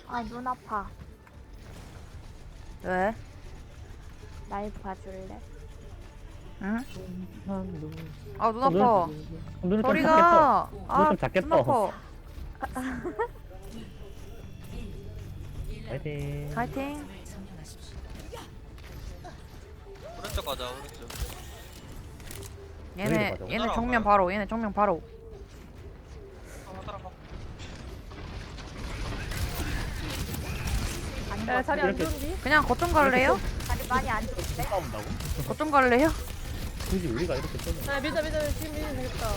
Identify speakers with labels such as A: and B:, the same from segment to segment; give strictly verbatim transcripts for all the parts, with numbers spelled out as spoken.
A: 아, 눈 아파.
B: 왜?
A: 날 봐줄래?
B: 응?
C: 눈.
B: 아 눈 아파.
C: 눈을 좀
B: 저리
C: 작겠어.
B: 가.
C: 눈을
B: 아
C: 좀
B: 눈
C: 작겠어.
B: 아파.
C: 파이팅.
B: 파이팅.
D: 오른쪽 가자 오른쪽.
B: 얘네
C: 가자고?
B: 얘네 정면 바로. 얘네 정면 바로.
D: 한번 따라가.
A: 야,
E: 자리 안
C: 이렇게-
E: 좋은지?
B: 그냥 거점 갈래요?
A: 다리 많이 안 좋은데?
C: 싸운다고?
B: 거점 갈래요?
C: 굳이 우리가 이렇게 뜨는
E: 아 밀자 밀자 지금 밀면 되겠다.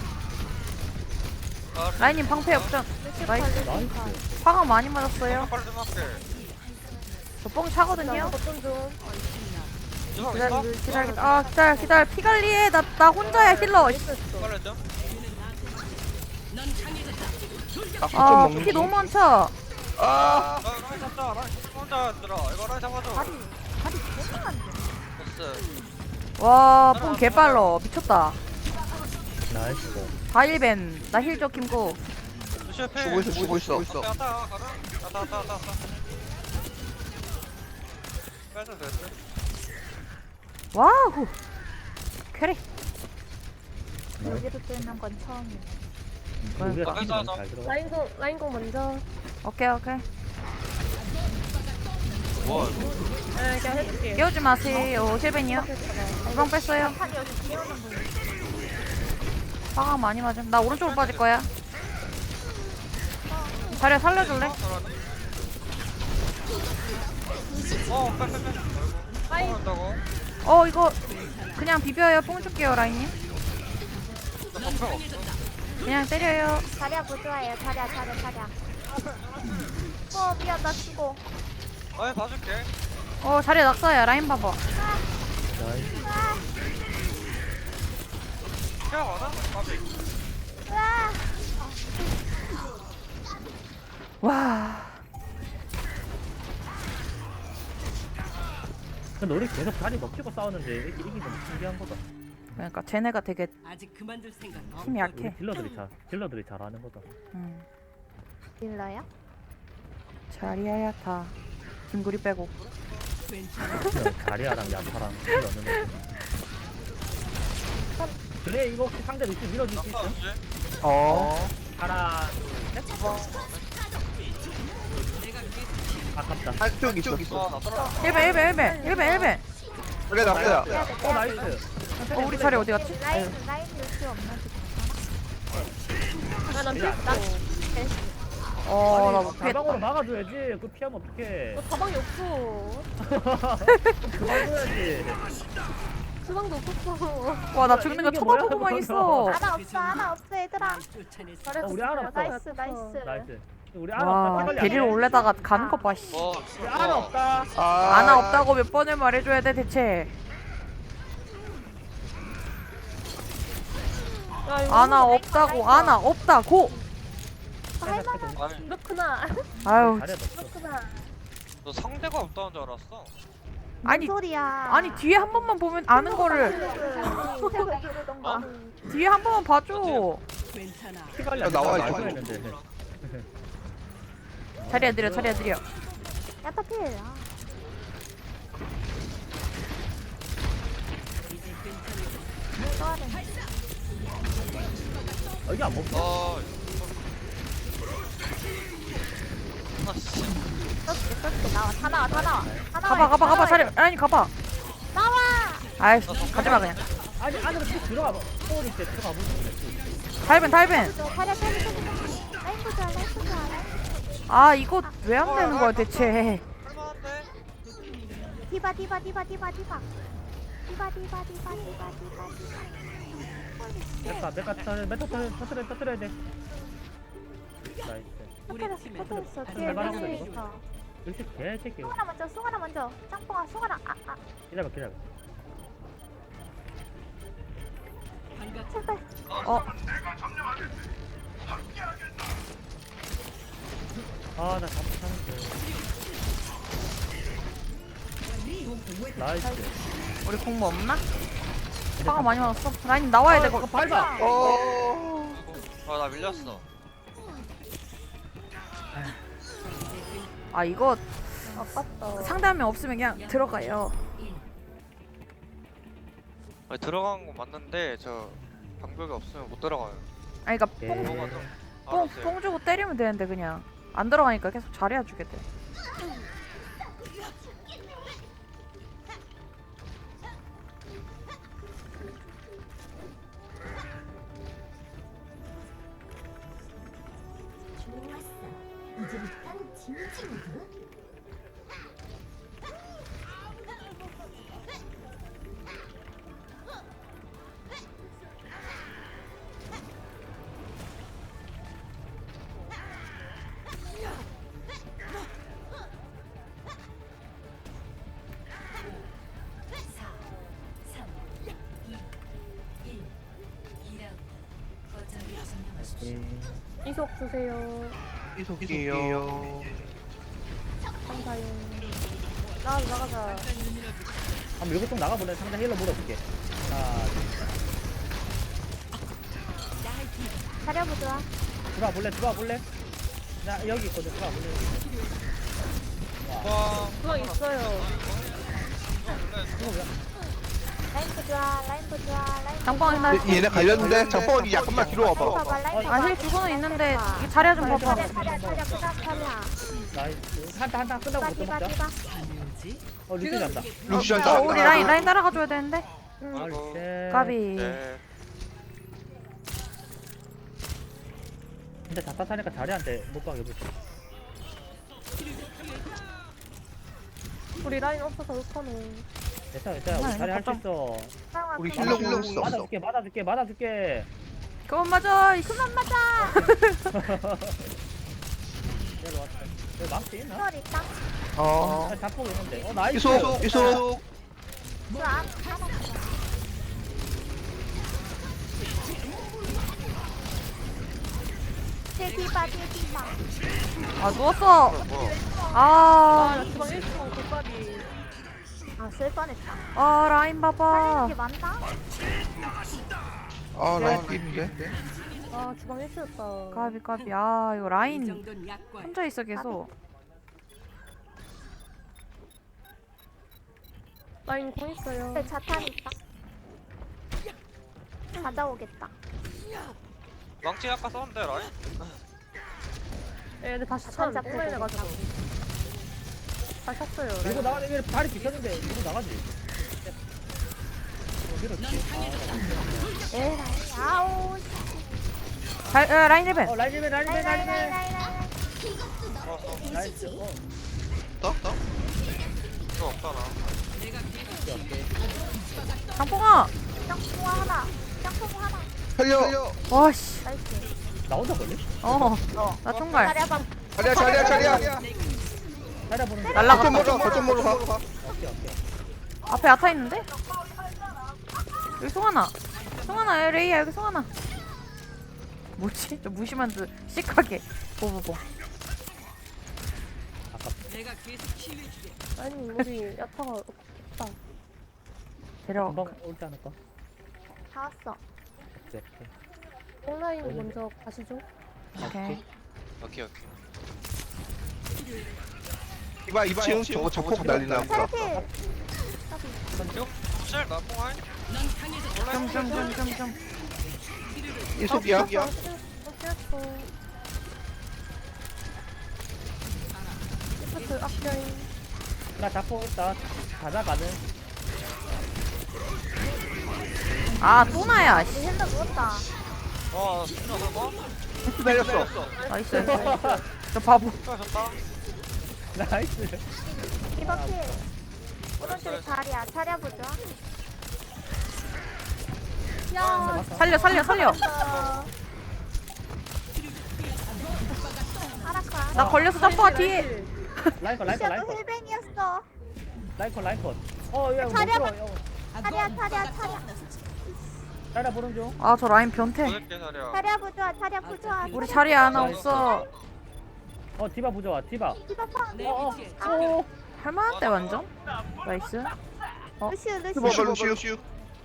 D: 아,
B: 라인님 방패 역전. 나이스.
C: 나이스.
B: 화가 많이 맞았어요.
D: 빨리 좀 할게.
B: 저 뽕 차거든요.
E: 어떤 좀.
D: 주방
B: 기다려
D: 있어?
B: 기다려 아 기다려 기다려 피 관리해. 나 나 혼자야 힐러.
D: 빨리 좀.
B: 아 피 너무 많죠.
D: 아, 라인 잡자. 라인 혼자 들어. 이거 라인 잡아줘.
A: 다리, 다리 개만한데?
D: 됐어.
B: 와뽕 개빨러. 미쳤다.
C: 나이스.
B: 다일벤. 나 힐 줘 김구.
D: 루시오 패.
F: 주고 있어, 주고 있어.
D: 왔다 왔다 가자. 왔다 왔다 왔다 왔다. 빼자 됐어.
B: 와우. 캐리.
A: 여기로 뜨는 건 처음이야.
C: 우리가
D: 가자,
C: 팀이
D: 가자.
C: 잘 들어.
E: 라인 공 라인 공 먼저.
B: 오케이 오케이.
D: 뭐?
E: 네 그냥 해줄게.
B: 깨우지 마세요. 힐벤이요. 주방 뺐어요.
A: 판이 여기 비오는 분.
B: 화가 많이 맞음. 나 오른쪽으로 빠질 거야. 자리야 살려줄래?
D: 어, 빼, 빼, 빼.
E: 라인.
D: 한다고?
B: 어 이거 그냥 비벼요. 뽕 줄게요 라인님.
D: 나 방패 없어.
B: 그냥 때려요.
A: 자리야 부조화예요. 자리야, 자리야, 자리야. 어, 미안, 나 죽어.
D: 아니 봐줄게.
B: 어 자리야 낙사야. 라인 봐봐.
C: 나이스.
D: 케어 받아? 까비.
A: 으아!
B: 와.
C: 근데 우리 계속 자리 먹히고 싸우는데 이렇게 이긴 건 신기한 거다.
B: 그러니까 쟤네가 되게
G: 아직 그만둘 생각
B: 힘이
C: 우리
B: 약해.
C: 딜러들이 잘 딜러들이 잘하는 거다.
B: 음.
A: 딜러야?
B: 자리야야 다. 김구리 빼고.
C: 그냥 자리아랑 야타랑 딜러는 애. 그래 이거 혹시 상대 위치 밀어줄 수 있어?
D: 없지?
F: 어.
C: 하나 셋. 아깝다.
F: 한쪽 있어.
D: 아, 나 떨어.
B: 힐벤 힐벤 힐벤 힐벤 힐벤.
F: 그래 나 그래.
C: 어 나이스.
B: 어 우리 자리 어디 갔지?
A: 라인, 라인 요시 없는지
E: 아나 밀. 나.
B: 어나
C: 아니,
B: 못
C: 가방으로
B: 피했다.
C: 막아줘야지. 그거 피하면 어떡해.
E: 너 가방이 없어.
C: 그만 줘야지.
E: 수방도 없었어.
B: 와 나 죽는 거
C: 이게 뭐야,
B: 쳐다보고만
C: 그거.
B: 있어.
A: 하나 없어, 하나 없어, 얘들아.
G: 쫓아냈어.
C: 어, 우리 알아 없다.
A: 나이스, 나이스.
C: 나이스. 우리 알아
B: 와
C: 없다. 빨리
B: 데리러
C: 안 해.
B: 올래다가 가는 거 봐. 씨.
D: 뭐?
C: 우리 알아 없다.
F: 아.
B: 아나 없다고 몇 번을 말해줘야 돼 대체.
E: 야, 이거
B: 아나 없다고 아나 없다고.
D: 아니,
E: 그렇구나.
B: 아유
C: 잘해 놨어.
E: 그렇구나.
D: 너 상대가 없다는 줄 알았어.
B: 아니
A: 뭔 소리야.
B: 아니 뒤에 한 번만 보면 아는 거를
A: 책을 들으던가.
B: 뒤에 한 번만 봐줘.
G: 괜찮아.
C: 피 관리
F: 야,
C: 안
F: 나와,
C: 나와
F: 이거.
C: 했는데.
B: 자리야 느려 자리야 느려.
A: 야타필. 아, 또하네.
C: 어, 이게 안 먹어.
D: 어. 아, 씨.
A: 떴지, 떴지. 나와, 다 나와, 다 나와. 다 나와.
B: 가봐 가봐 가봐 자리 아니 가봐.
A: 나와!
B: 아이씨 가지마 그냥.
C: 아니 안으로 쭉 들어가 봐. 소리 때 들어가 보면
B: 달벤 달벤.
A: 저 자리야, 자리야, 자리야. 라인 보자, 라인 보자.
B: 아 이거 왜 안 되는 거야 대체.
D: 할만한데?
A: 디바, 디바, 디바, 디바, 디바. 디바, 디바, 디바, 디바, 디바, 디바.
C: 됐다. 내가 터트려 터트려 터트려 터트려야 돼. 나이스.
A: 터뜨렸어, 터뜨렸어.
G: 한
A: 뒤에
C: 대만
A: 멜리
C: 하고
A: 있어.
C: 역시 개새끼.
A: 송하나 먼저, 송하나 먼저. 짱뽕아, 송하나. 아, 아,
C: 기다려 기다려.
G: 반갑.
A: 제발.
B: 어
C: 아나 잘못하는데. 나이스.
B: 우리 공부 없나? 화가 많이 많았어. 라인 나와야 되고.
C: 어, 밟아.
F: 어.
D: 아, 나 밀렸어.
B: 아 이거
E: 아깝다.
B: 상대하면 없으면 그냥 들어가요.
D: 아니, 들어간 거 맞는데 저 방벽이 없으면 못 들어가요.
B: 아니 그니까
C: 예.
B: 뽕,
D: 뭐가 좀
B: 뽕,
D: 알았어요.
B: 뽕 주고 때리면 되는데 그냥 안 들어가니까 계속 자리야 주게 돼.
C: 예.
E: 이속 주세요.
F: 이속이요.
E: 감사해요. 나 나가자.
C: 한번 여기 좀 나가볼래? 상대 힐러 물어볼게. 하나, 둘,
A: 자리야 보자.
C: 들어와 볼래? 들어와 볼래? 나 여기 있거든. 들어와 볼래?
D: 와,
E: 주방 있어요.
C: 이거 뭐야?
A: 라인 보자. 라인 보자. 라인.
B: 장방이 나
F: 얘- 얘네 갈렸는데 장봉이 약간만 뒤로 와봐.
A: 봐봐. 라인 봐봐.
B: 아 힐 주고는 있는데 이 자리야 좀 봐봐.
A: 자리야 자리야 자리야 보자. 자리야.
C: 나이스. 한타 한타 끝나고
A: 디바
C: 못
A: 디바
C: 먹자.
A: 디바.
C: 어 루시 잔다.
F: 루시안
B: 어,
F: 다.
B: 우리 라인 라인 따라가 줘야 되는데.
D: 아이고.
B: 까비.
D: 네.
C: 근데 자타 타니까 자리한테 못 가게 해보지.
E: 우리 라인 없어서 못하네.
C: 됐어 됐어. 우리 자리 할 수 있어.
F: 우리
A: 힐러
F: 힐러 힐러 있어.
C: 맞아줄게 맞아줄게 맞아줄게.
B: 그만 맞아. 이씨.
A: 그만 맞아.
C: 내려 왔다. 여기 망치 있나?
A: 힐러 있다.
F: 어.
C: 아, 잡고 있는데. 어 나이스.
F: 이속 이속.
A: 그안 하나. 뒤에 디바 뒤에 디바.
B: 아 누웠어.
D: 뭐야, 뭐야.
B: 아,
E: 아나 주방 일 층 골까지.
A: 아쓸 뻔했다.
B: 아 라인
A: 살리는
B: 봐봐.
A: 게 많다.
F: 아 라인 삐인데.
E: 아 주방 일 층이었다.
B: 까비 까비. 아 이거 라인
G: 이 정도는 약관.
B: 혼자 있어 계속.
E: 라인 공 있어요.
A: 네, 자탄 있다. 찾아오겠다.
D: 망치 아까 썼는데 라인?
E: 예, 근데 다시
A: 자탄
E: 찬
A: 잡고
E: 뽕라인 해가지고. 다시 찼어요.
C: 밀고
E: 라인.
C: 나가는데 다리 비켰는데 밀고 나가지. 어, 밀었지.
A: 에라이. 아우.
B: 잘 어, 라인 힐벤.
C: 어 라이즈맨
A: 라인
C: 라이즈맨
A: 라인 라인
C: 라이즈맨.
A: 라인 라인.
D: 좋았어.
C: 나이스. 어.
F: 떠 떠.
D: 이거 없잖아.
C: 오케이 오케이.
B: 장봉아.
A: 짱뽕 하나. 짱뽕 하나.
F: 살려.
B: 와씨.
A: 나이스.
C: 나 혼자 걸리?
B: 어. 나 총갈.
A: 자리야 방.
F: 자리야 자리야 자리야.
C: 자리 보는 중.
B: 날라가.
F: 거점 먹으러 가. 거점 먹으러 가.
C: 오케이 오케이.
B: 앞에 야타 있는데? 여기 송하나. 송하나 레이야 여기 송하나. 뭐지? 저 무심한 듯 시크하게 보보보.
G: 내가 계속 키워주게.
E: 아니 우리 야타가 없다.
B: 데려.
C: 금방 올지 않을까?
A: 다 왔어.
C: 오케이 오케이.
E: 뽕라인 먼저 가시죠.
B: 오케이.
D: 오케이, 오케이.
F: 이봐 이 층 저거 자폭 난리나 보다.
A: 차례필.
D: 지금 실 나뽕 아니?
G: 넌 강해져.
B: 좀 좀 좀 좀 좀.
F: 이속이야.
E: 어어 리프트 앞라인.
C: 나 잡고 있다. 가져가는.
B: 아 또나야. 씨.
A: 힐러 누웠다.
D: 와, 진짜 저거?
F: 날렸어.
B: 나이스. 나이스. 저 바보.
D: 진짜 좋다.
C: 나이스.
A: 디바 필. 오른쪽에 자리야. 자리야 보자. 야.
B: 살려 살려 살려.
A: 아라카.
B: 나 걸려서 점퍼가 뒤에.
C: 라이컨 라이컨
A: 너
C: 라이컨.
A: 힐뱅이었어.
C: 라이컨 라이컨. 어, 야, 못
A: 자리야,
C: 들어. 야,
A: 자리야 자리야 자리야.
C: 자리야 보는 중.
B: 아 저 라인 변태.
D: 보낼게, 자리야.
A: 자리야 보자. 자리야 보자.
B: 우리 자리에 하나 없어.
C: 어, 디바 부좋아. 디바.
A: 디바 팡.
G: 내
C: 어,
G: 위치에
C: 어. 오.
B: 할만한데 완전. 나이스.
A: 루시우
F: 루시오
A: 루시우.
F: 루시오.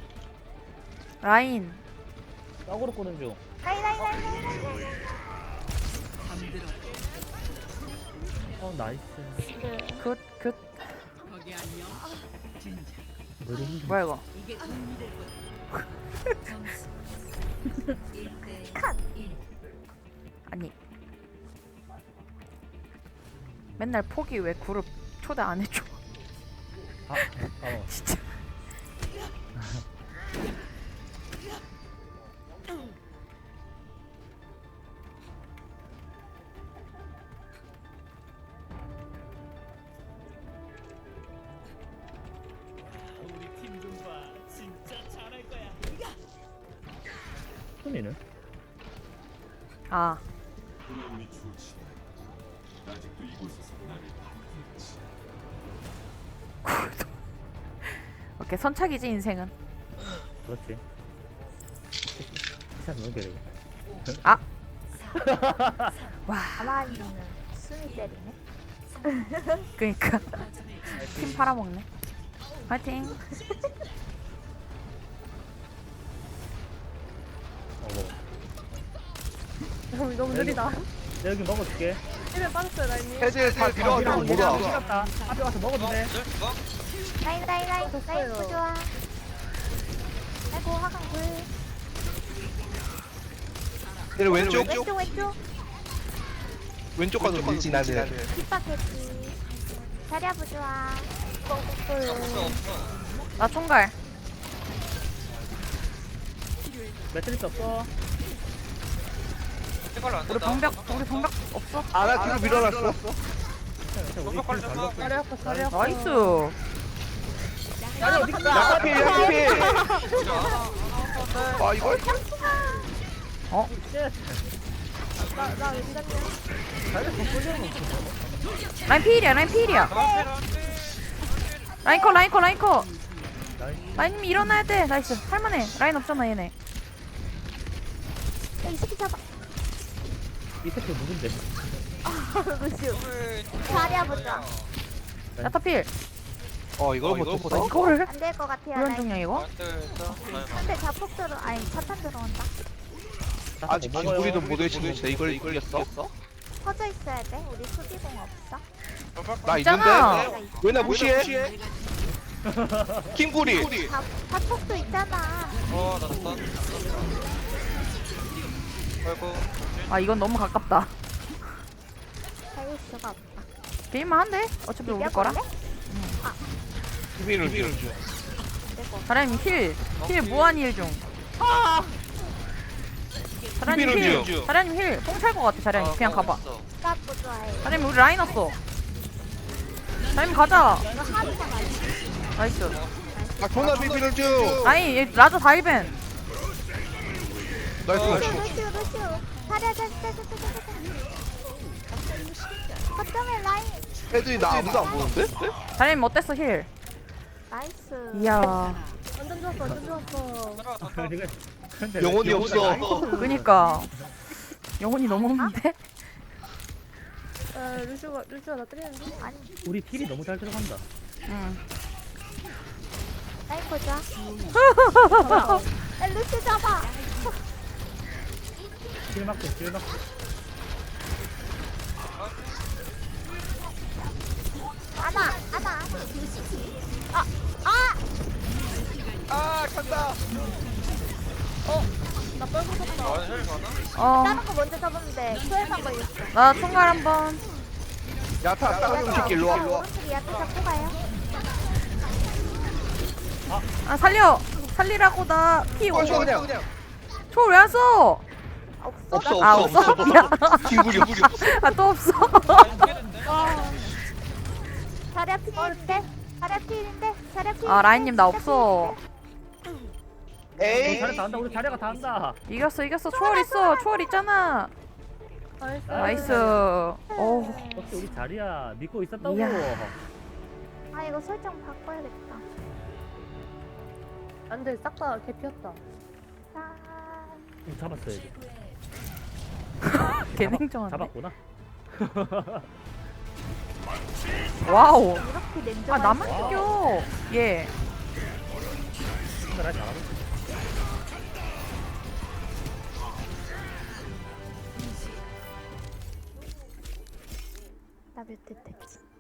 B: 라인.
C: 어그로 꼬는 중.
A: 라인 라인 라인 라인 라인.
G: 잠들어.
C: 어 나이스.
A: 네.
B: 굿, 굿.
G: 거기 안녕. 진짜
C: 머리 힘.
B: 뭐야 이거?
G: 이게 도움이 될 거야.
B: 아니. 맨날 포기 왜 그룹 초대 안 해줘?
C: 아, 어.
B: 진짜.
C: 순이는?
B: 아. 오케이, 선착이지 인생은.
C: 그렇지. 시간 너무 게으르.
B: 아. 와,
A: 가만히는 숨이 때리네.
B: 그니까 팀 팔아먹네. 파이팅.
C: 어 뭐.
E: 너무 너무 느리다.
C: 내가 여기 먹어줄게.
E: 힐을 빠졌어요 라인님.
F: 해제 다 밀어가지고 못 와.
C: 시갔다. 앞에 가서 먹어도 돼.
D: 어?
A: 라인 라인 라인
E: 됐어요.
A: 라인 보 좋아. 아이고 화강 불.
F: 얘는 왼쪽
A: 왼쪽 왼쪽.
F: 왼쪽 가서 밀지 나는.
A: 뒷바퀴. 자리야 보 좋아.
D: 없어 없어.
B: 나 총갈.
C: 매트리스 없어.
D: 생각을 안
B: 우리
D: 된다.
B: 방벽, 우리 방벽 없어.
F: 아나 뒤로 밀어놨어.
D: 방벽 관리 좀 하.
E: 자리 아파 자리 아파.
B: 나이스.
C: 아니 어디 가?
F: 야카필 야카필. 아 이걸?
B: 어?
E: 나나 왠지
B: 라인 필이야, 라인 필이야. 라인 컷, 라인 컷, 라인 컷. 라인님 일어나야 돼. 나이스. 할만해. 라인 없잖아 얘네.
A: 이 새끼 잡아.
C: 이 새끼 누군데?
A: 루시오. 자리야 보 좋아.
B: 야타 필.
F: 어 이걸 못
B: 어,
F: 쳤어?
B: 이거를?
A: 안 될 것 같아요.
B: 이런
A: 라인.
B: 중이야 이거?
A: 근데 자폭 들어 아니 자탄 들어온다.
F: 아직 기구리도 못 외치는데 이걸 이겼어?
A: 퍼져 있어야 돼. 우리 수비공 없어.
F: 나
B: 있잖아.
F: 있는데? 왜 나 무시해? 킹구리.
A: 자 자폭도 있잖아.
D: 어 나왔다. 아이고.
B: 아 이건 너무 가깝다.
A: 살릴 수가 없다.
B: 게임만 한데? 어차피 우리 거라.
F: 수비를 밀어 줘.
B: 사람님 힐. 힐 무한 힐 중. 사람님
F: 수비를
B: 힐.
F: 줘.
B: 사람님 힐. 뽕찰 것 같아 사람님. 그냥 가봐.
A: 나 좋아해.
B: 사람님 우리 라인 왔어. 사람님 가자.
A: 이거 하루가 많이.
B: 나이스.
F: 아 존나 비비를 줘.
B: 라인 얘 라자 다이벤.
F: 나이스.
A: 루시오 루시오 루시오. 자리야 자리야 자리야 자리야. 거점에 라인.
F: 애들이 나 아무도 안 보는데?
B: 사람님 어땠어 힐?
A: 나이스.
B: 이야.
E: 완전 좋았어 완전 좋았어.
C: 이거 근데
F: 영혼이
C: 왜
F: 없어.
B: 그니까 영혼이 너무 없는데?
E: 아 루시오가 루시오가 나 때리는데.
A: 아니
C: 우리 딜이 너무 잘 들어간다.
B: 응.
A: 라인 보자. 야 루시 잡아.
C: 딜 맞고 딜 맞고.
A: 안아 안아. 아 아.
F: 아 간다.
E: 나 뻘고 섰다.
D: 아 헬 가나?
B: 어.
A: 다른 거 먼저 잡았는데 소외만 걸렸어.
B: 나 총갈 한번.
F: 야타 따가운 새끼 일로 와.
A: 오른쪽 야채 잡고 가요.
B: 아 살려. 살리라고 나 피
F: 어, 줘,
B: 오.
F: 그냥 그냥.
B: 초왜 안 써?
A: 없어.
F: 없어
B: 아
F: 없어
B: 없어?
F: 없어.
B: 미안.
F: 킹구리 없어.
B: 아 또 없어.
A: 자리 앞필인데. 자리 앞필인데. 자리 앞필.
B: 아 라인님 나 없어.
C: 우리
F: 에이.
C: 자리 다 한다. 우리 자리가 다 한다.
B: 이겼어 이겼어. 초월 있어. 초월 있잖아.
E: 나이스.
B: 나이스. 오.
C: 역시 우리 자리야 믿고 있었다고.
B: 이야.
A: 아 이거 설정 바꿔야겠다.
E: 안돼 싹 다 개피였다.
A: 짠.
C: 좀 잡았어야지.
B: 개냉정한데.
C: 잡았구나.
B: 와우.
A: 이렇게
B: 아
A: 냉정한.
B: 나만 이겨. 예.
C: 근데 나 잘하고 있어.
A: 나 나 뮤트 됐지.